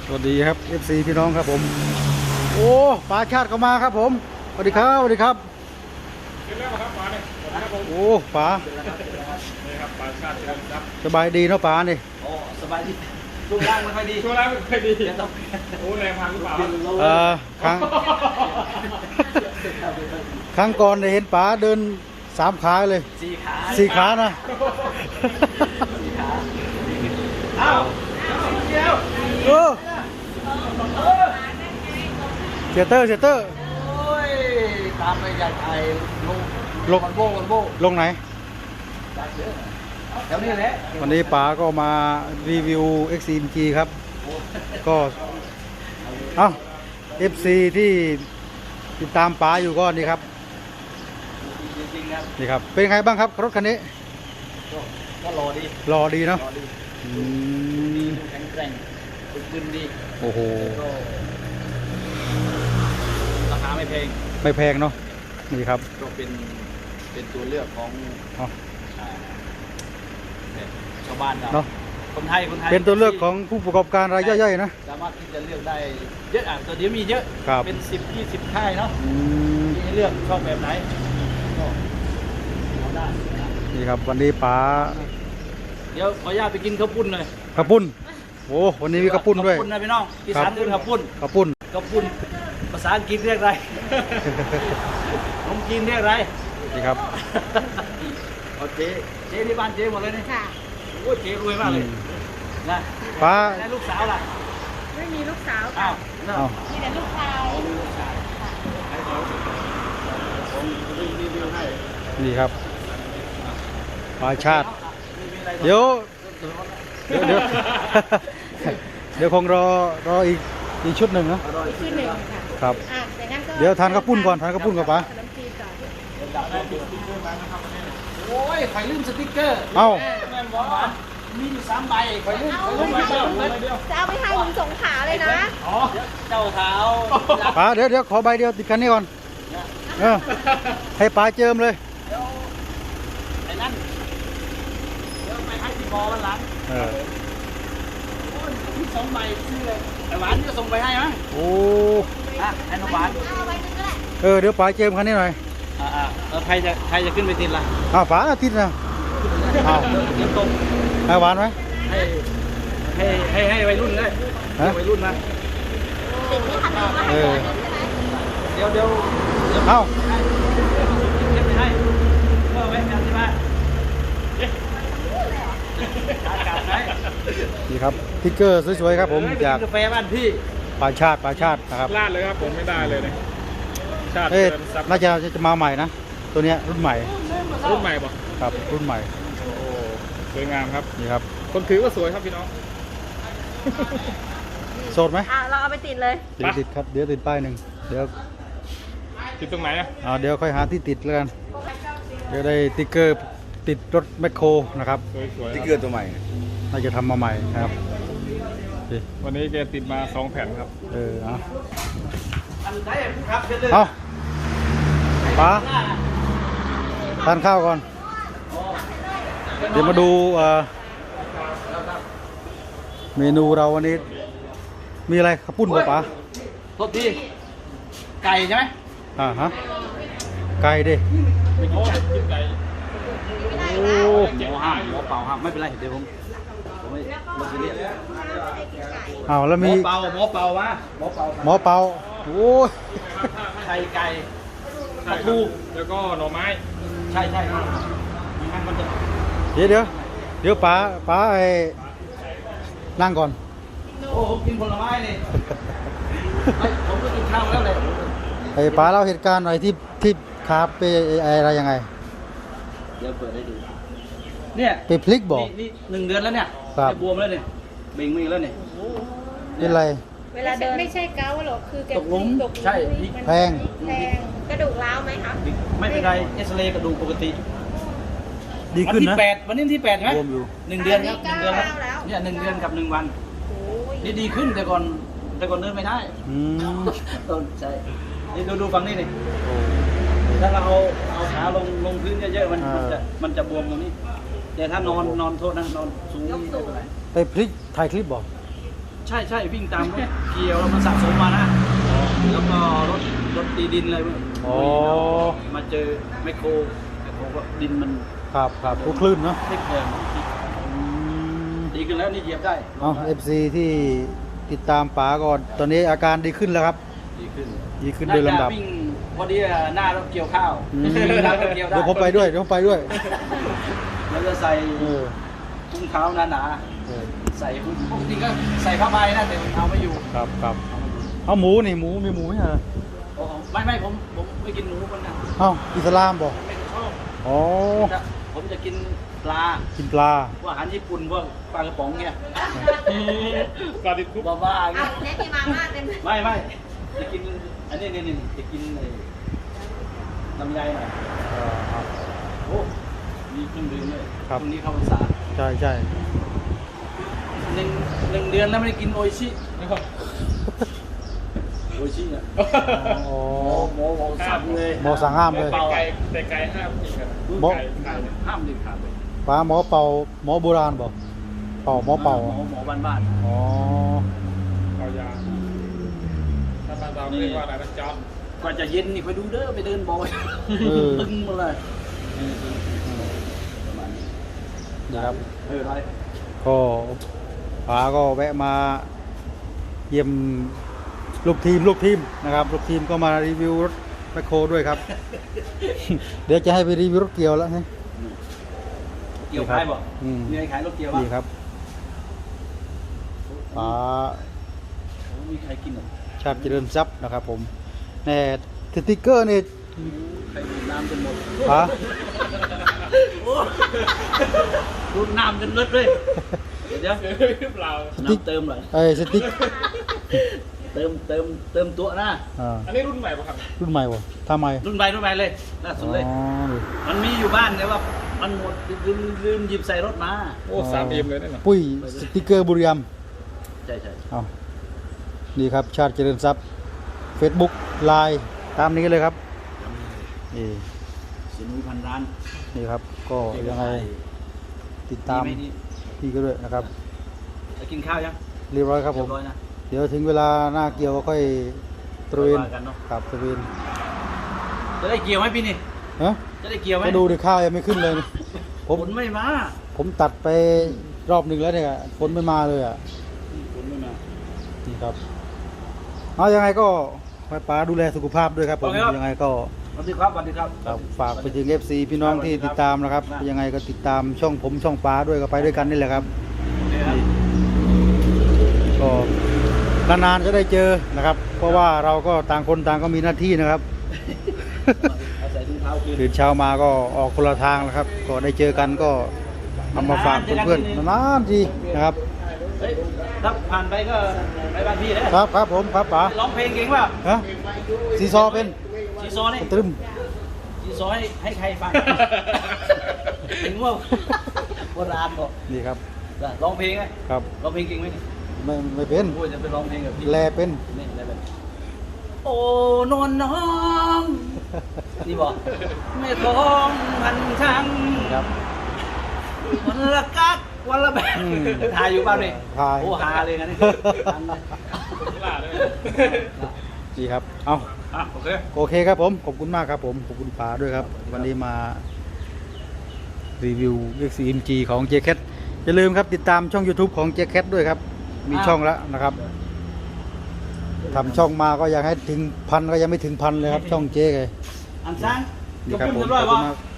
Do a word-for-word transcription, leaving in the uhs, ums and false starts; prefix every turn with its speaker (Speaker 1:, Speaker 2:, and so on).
Speaker 1: สวัสดีครับ เอฟ ซี พี่น้องครับผมโอ้ปลาชาติก็มาครับผมสวัสดีครับสวัสดีครับเร็วครับปลาเนี่ยโอ้ปลานี่ครับปลาชาติครับสบายดีเนาะปลาเนี่ย
Speaker 2: โอ้สบายดีช่วงล่างไม่ค่อยดี
Speaker 3: ช่วงล่างไม่ค่อยดี
Speaker 2: ต้อง
Speaker 3: โอ้แรงพังหรือเปล่า
Speaker 1: เออครั้งครั้งก่อนได้เห็นปลาเดินสามขาเลย
Speaker 2: สี่ขา
Speaker 1: สี่ขานะ
Speaker 2: สี่ขาเอ้าเดียว
Speaker 1: เออเสียเตอร์เสียเตอร์
Speaker 2: โอ้ยตามไปใหญ่ไทยลง
Speaker 1: ลง
Speaker 2: วันโบวันโบ
Speaker 1: ลงไหน
Speaker 2: แถวนี้แหละ
Speaker 1: วันนี้ป๋าก็มารีวิว เอ็กซ์ ซี เอ็ม จี ครับก็เอ้า เอฟ ซี ที่ติดตามป๋าอยู่ก็นี่ครับนี่ครับเป็นไงบ้างครับรถคันนี้
Speaker 2: ก็รอดี
Speaker 1: รอดีเนาะ
Speaker 2: แข็งแกร่งบึกดี
Speaker 1: โอ้โห
Speaker 2: ราคาไม่แพง
Speaker 1: ไม่แพงเนาะนี่ครับ
Speaker 2: ก็เป็นเป็นตัวเลือกของชาวบ้านเราคนไทยคนไทย
Speaker 1: เป็นตัวเลือกของผู้ประกอบการรายย่อยๆนะ
Speaker 2: สามารถที่จะเลือกได้เยอะอ่ะตัวเดียวมีเยอะเป็นสิบยี่สิบค่ายเนาะมีให้เลือกชอบแบบไหนก็เอาได้
Speaker 1: นี่ครับวันนี้ป๋า
Speaker 2: เดี๋ยวขออนุญาตไปกินข้าวปุ้นเลย
Speaker 1: ข้าวปุ้นโอ้วันนี้มีข้าวปุ้นด้วย
Speaker 2: ข้าวปุ้นนะพี่น้องอีสานคือข้าวปุ้น
Speaker 1: ข้าวปุ้น
Speaker 2: ข้าวปุ้นภาษาอังกฤษเรียกอะไรผมกินเรียกอะไร
Speaker 1: นี่ครับ
Speaker 2: โอเคเจ๊ที่บ้านเจ๊หมดเลยนี่
Speaker 4: ค่ะ
Speaker 2: โอ้เจ๊รวยมากเลยนะ
Speaker 1: ป้า
Speaker 2: แล้วลูกสาวล่ะ
Speaker 4: ไม่มีลูกสาว
Speaker 2: อ้าว
Speaker 4: มีแต่ลูกชาย
Speaker 1: นี่ครับปลาชาติเดี๋ยวเดี๋ยวเดี๋ยวเดี๋ยวคงรอรออีกอีกชุดหนึ่งนะ
Speaker 4: ชุดหนึ่งค่ะ
Speaker 1: ครับเดี๋ยวทานข้าวปุ้นก่อนทานข้าวปุ้นก่อนป้า
Speaker 2: โอ้ยไข่ลืมสติ๊กเกอร์
Speaker 1: เอ้า
Speaker 2: แม่บอกว่ามีอยู่สามใบไข่ลืมไข่ลืมใบเดียวใบเดียว
Speaker 4: จะเอาไปให้ลุงสงขาเลยนะ
Speaker 2: อ๋อเจ้าเท้า
Speaker 1: ป้าเดี๋ยวเดี๋ยวขอใบเดียวติดคันนี้ก่อนเออให้ป้าเจิมเลย
Speaker 2: ไอ้นั่นเดี๋ยวไปให้ที่มอวันหลัง
Speaker 1: เออ
Speaker 2: มีสองใบซื้อเลยไอ้หวานจะส่งไปให้ไหม
Speaker 1: โอ้
Speaker 2: อ่ะให้น้องหวาน
Speaker 1: เออเดี๋ยวป้าเจิมคันนี้หน่อย
Speaker 2: อ่าอ่าแล้วใครจะใครจะขึ้นไปติดล่ะ
Speaker 1: อ้าวป้าติดนะอ้าว
Speaker 2: เดี๋ยวตรง
Speaker 1: ให้หวานไหม
Speaker 2: ให้ให้ให้ให้วัยรุ่นเลยวัยรุ่นนะ
Speaker 1: เออ
Speaker 2: เดี๋ยวเดี๋ยว
Speaker 1: เอ้า
Speaker 2: ขึ้นไปให้ก็ไว้กันที่บ้าน
Speaker 1: นี่ครับติ๊กเกอร์สวยๆครับผมจาก
Speaker 2: กาแฟบ้านพี่
Speaker 1: ปลาชาติปลาชาตินะครับ
Speaker 3: ลาดเลยครับผมไม่ได้เลยเนี่ยชาติ
Speaker 1: น่าจะจะมาใหม่นะตัวเนี้ยรุ่นใหม่
Speaker 3: รุ่นใหม่ป่ะ
Speaker 1: ครับรุ่นใหม่
Speaker 3: โอ้สวยงามครับ
Speaker 1: นี่ครับ
Speaker 3: คนถือก็สวยครับพี่น้อง
Speaker 1: โสดไหม
Speaker 4: อ่ะเราเอาไปติดเลย
Speaker 1: เดี๋ยวติดครับเดี๋ยวติดป้ายหนึ่งเดี๋ยว
Speaker 3: ติดตรงไหนอ่ะ
Speaker 1: อ่าเดี๋ยวค่อยหาที่ติดแล้วกันเดี๋ยวได้ติ๊กเกอร์ติดรถแมคโครนะครับ
Speaker 2: ติ๊กเกอร์ตัวใหม่
Speaker 1: น่าจะทำมาใหม่นะครับ
Speaker 3: วันนี้แกติดมาสองแผ่นครับ
Speaker 1: เออเอาเอาป้าทานข้าวก่อนเดี๋ยวมาดูเมนูเราวันนี้มีอะไรข้าวปุ้นป่ะป๋า
Speaker 2: โทษทีไก่ใช่ไหม
Speaker 1: อ่าฮะไก่ดิ
Speaker 3: ไม่กินไก่กินไก่
Speaker 1: โอ้
Speaker 2: หมูห้ามหมูเปล่าห้ามไม่เป็นไรเดี๋ยวผมผมไม่ไม่ซีเรียส
Speaker 1: เอาแล้วมี
Speaker 2: หมูเปล่าหมูเปล่ามาหมูเปล่า
Speaker 1: หมูเปล่าโอ้ย
Speaker 2: ไข่ไก่ปลาทู
Speaker 3: แล้วก็หน่อไม้
Speaker 2: ใช่ใช่งั้นมันจะ
Speaker 1: เดี๋ยวเดี๋ยวเดี๋ยวป๋าป๋าไอ้นั่งก่อน
Speaker 2: โอ้ผมกินผลไม้เลยผมก็กินข้าวแล้วเลย
Speaker 1: ไอ้ป๋าเล่าเหตุการณ์หน่อยที่ที่คาไปอะไรยังไง
Speaker 2: เดี๋ยวเปิดให้ดูเนี่ย
Speaker 1: ไปพลิกบอก
Speaker 2: นี่หนึ่งเดือนแล้วเนี่ยไปบวมแล้วเนี่ยเบ่งมือแล้วเนี่ย
Speaker 1: เป็นไร
Speaker 4: เวลาเดินไม่ใช่เกาหรอกคือแก
Speaker 2: ตกหลุมใช่
Speaker 1: แพง
Speaker 4: แพงกระดูกร้าวไหมคะ
Speaker 2: ไม่เป็นไรเอ็กซเรย์กระดูกปกติ
Speaker 1: ดีขึ้นนะ
Speaker 2: วันที่แปดวันนี้ที่แปดใช่ไหมหนึ่งเดือนครับหนึ่งเดือนแล้วเนี่ยหนึ่งเดือนกับหนึ่งวันนี่ดีขึ้นแต่ก่อนแต่ก่อนเดินไม่ได้ใช่นี่ดูดูฝั่งนี้นี่ถ้าเราเอาเอาขาลงลงพื้นเยอะๆมันจะมันจะบวมตรงนี้แต่ถ้านอนนอนโทษนะนอนสูงนี่ไม่เป็นไร
Speaker 1: ไปพลิกถ่ายคลิปบอก
Speaker 2: ใใช่ใช่วิ่งตามรถเกี่ยวแล้วมันสะสมมานะแล้วก็รถรถตีดินอะไรพวกนี้
Speaker 1: อ๋อ
Speaker 2: มาเจอแมคโครแมคโครก็ดินมัน
Speaker 1: ครับครับทุกคลื่นเนาะ
Speaker 2: พลิกแพงดีขึ้นแล้วนี่เหยียบได้
Speaker 1: เอาเอฟซีที่ติดตามป๋าก่อนตอนนี้อาการดีขึ้นแล้วครับ
Speaker 2: ดีขึ้น
Speaker 1: ดีขึ้นโดยลำดับ
Speaker 2: น่าจะวิ่งพอดีหน้ารถเกี่ยวข้าว
Speaker 1: อืม
Speaker 2: หน้ารถเกี่ยวได้
Speaker 1: เดี๋ยวผมไปด้วยเดี๋ยวผมไปด้วย
Speaker 2: แล้วจะใส่
Speaker 1: เออ
Speaker 2: ถุงเท้าหนา
Speaker 1: เออ
Speaker 2: ๆใส่ปกติก็ใส่ผ้าใบนะแต่เอาไม่อยู่
Speaker 1: ครับครับเอาหมูนี่หมูมีหมูไหมฮะ
Speaker 2: โอ้โหไม่ไม่ผมผมไม่กินหมูคนนะ
Speaker 1: เอ้าอิสลามบอก
Speaker 2: ไม่ชอบ
Speaker 1: อ๋อ
Speaker 2: ผมจะผมจะกินปลา
Speaker 1: กินปลา
Speaker 2: พวกอาหารญี่ปุ่นพวกปลากระป๋องเนี่ย
Speaker 3: ปลาดิบคุก
Speaker 2: บ้าๆเงี้
Speaker 4: เอา
Speaker 2: ย
Speaker 4: เนี่ยมีมาม่าเต็มเลย
Speaker 2: ไม่ไม่จะกินอันนี้นี่นี่จะกินไอ้ลำไยหน่อย
Speaker 1: เออครับ
Speaker 2: โอ้มีเครื่องดื่มเลย
Speaker 1: ครับ
Speaker 2: ตรงนี้เข้าพรรษา
Speaker 1: ใช่ใช่
Speaker 2: หนึ่งหนึ่งเดือนแล้วไม่ได้กินโออิชิโออิชิเนี่ย
Speaker 1: อ๋อ
Speaker 2: หมอหมอหมอสั่งเลย
Speaker 1: หมอสั่งห้ามเลย
Speaker 3: แต่ไก่แต่ไก่ห้ามกินกัน
Speaker 1: หมอ
Speaker 3: ไก่ไก่เนี่ย
Speaker 2: ห้ามเด็ดขาดเลย
Speaker 1: ปลาหมอเป่าหมอโบราณบอกเป่าหมอเป่า
Speaker 2: หมอหมอบ้าน
Speaker 1: อ๋อ
Speaker 3: เอายาถ้าบ้านเราเรียกว่าอะไรนะจอม
Speaker 2: ๆกว่าจะเย็นนี่คอยดูเด้อไปเดินบอย
Speaker 1: เออ
Speaker 2: ตึงหมาเลยประมาณนี้
Speaker 1: นะครับ
Speaker 2: เออไร
Speaker 1: ก็ป๋าก็แวะมาเยี่ยมลูกทีมลูกทีมนะครับลูกทีมก็มารีวิวรถแมคโครด้วยครับ เดี๋ยวจะให้ไปรีวิวรถเกี่ยวแล้วนะ
Speaker 2: เกี่ยวขายบ่
Speaker 1: อืม
Speaker 2: มีใครขายรถเกี่ยวบ้าง
Speaker 1: นี่ครับป๋า
Speaker 2: มีใครกินหรอ
Speaker 1: ชาติเจริญทรัพย์นะครับผมแน่สติ๊กเกอร์นี่
Speaker 2: ใครดื่มน้ำจนหมด
Speaker 1: ป๋า
Speaker 2: ดูดน้ำจนเลิศเลยเดี๋ยว
Speaker 3: หรือเปล่า
Speaker 2: น้ำเติมหน่อย
Speaker 1: ไอ้ยสติ๊ก
Speaker 2: เติมเติมเติมตัวนะ
Speaker 1: อ่า
Speaker 3: อันนี้รุ่นใหม่ป่ะครับ
Speaker 1: รุ่นใหม่วะทำไม
Speaker 2: รุ่นใหม่รุ่นใหม่เลยล่าสุดเลย
Speaker 1: อ๋อนี่
Speaker 2: มันมีอยู่บ้านแต่ว่ามันหมดลืมลืมหยิบใส่รถมา
Speaker 3: โอ้สามเอ็มเลยเนี่ยนะ
Speaker 1: ปุ้ยสติ๊กเกอร์บุรีรัมย์
Speaker 2: ใช่ใช่
Speaker 1: เอานี่ครับชาติเจริญทรัพย์ Facebook ไลน์ตามนี้เลยครับนี่
Speaker 2: สินุยพันร้าน
Speaker 1: นี่ครับก็ยังไงติดตาม
Speaker 2: ดีไหดี
Speaker 1: พี่ก็ด้วยนะครับ
Speaker 2: จะกินข้าวยัง
Speaker 1: เรียบร้อยครับผ
Speaker 2: เรีย
Speaker 1: ม
Speaker 2: บร้อยนะ
Speaker 1: เดี๋ยวถึงเวลาหน้าเกี่ยวก็ค่อยตระเวน
Speaker 2: ว่ากันเนอะ
Speaker 1: ครับตระเวน
Speaker 2: จะได้เกี่ยวไหมพี่นี่
Speaker 1: ฮะ
Speaker 2: จะได้เกี่ยวไหม
Speaker 1: ก็ดูดิข้าวยังไม่ขึ้นเลยนะผม
Speaker 2: ผลไม่มา
Speaker 1: ผมตัดไปรอบหนึ่งแล้วเนี่ยฝนไม่มาเลยอ่ะ
Speaker 2: ผลไม่มา
Speaker 1: นี่ครับเอายังไงก็ให้ป้าดูแลสุขภาพด้วยครับผม
Speaker 2: โอเคครับ
Speaker 1: ยังไงก็
Speaker 2: สวัสดีครับสวัสดีครับ
Speaker 1: ครับฝากไปถึง เอฟ ซี พี่น้องที่ติดตามนะครับ
Speaker 2: ครับ
Speaker 1: ยังไงก็ติดตามช่องผมช่องป้าด้วยก็ไปด้วยกันนี่แหละครับ
Speaker 2: โอเคครับ
Speaker 1: ก็นานๆจะได้เจอนะครับ เพราะว่าเราก็ต่างคนต่างก็มีหน้าที่นะครับ
Speaker 2: เอาใส่ถุงเท้าคืน
Speaker 1: ตื่นเช้ามาก็ออกคนละทางนะครับ ก็ได้เจอกันก็เอามาฝากเพื่อนๆนานๆทีนะครับ
Speaker 2: เฮ้ยถ้าผ่านไปก็ไปบ้านพี่นะครับ
Speaker 1: ครับผมครับป๋า
Speaker 2: ร้องเพลงเก่งเปล่า
Speaker 1: ฮะซีซอเป็น
Speaker 2: ซีซอนี่
Speaker 1: ตรึม
Speaker 2: ซีซอให้ให้ใครฟังถึงว่าโบราณบอก
Speaker 1: นี่ครับ
Speaker 2: ร้องเพลงไหม
Speaker 1: ครับ
Speaker 2: ร้องเพลงเก่งไหมนี่
Speaker 1: ไม่ไม่เป็น
Speaker 2: โอ้ยจะไปร้องเพลงกับพี่
Speaker 1: แลเป็น
Speaker 2: นี่อะไรแบบโอ้นวลน้องนี่บอกไม่ท้องพันช่าง
Speaker 1: ครับ
Speaker 2: วันละกักวันละแบบ
Speaker 1: อืม
Speaker 2: ถ่ายอยู่บ้านนี่
Speaker 1: ถ่าย
Speaker 2: โอ้หาเลยงั้นนี่
Speaker 3: นี่ล่ะเลย
Speaker 1: ดีครับเอา
Speaker 2: อ่ะโอเค
Speaker 1: โอเคครับผมขอบคุณมากครับผมขอบคุณป๋าด้วยครับ วันนี้มารีวิว เอ็กซ์ เอ็ม จี ของ เจ แคท อย่าลืมครับติดตามช่อง YouTube ของ เจ แคท ด้วยครับ มีช่องแล้วนะครับทำช่องมาก็ยังให้ถึงพันก็ยังไม่ถึงพันเลยครับ ช่องเจ๊เลย
Speaker 2: อันซัง
Speaker 1: นี่
Speaker 2: ยก
Speaker 1: ครับ
Speaker 2: ขึ้น
Speaker 1: ผม
Speaker 2: เรียบ
Speaker 1: ข
Speaker 2: ร้
Speaker 1: อ
Speaker 2: อบ ย
Speaker 1: คุณ
Speaker 2: วะ
Speaker 1: มาก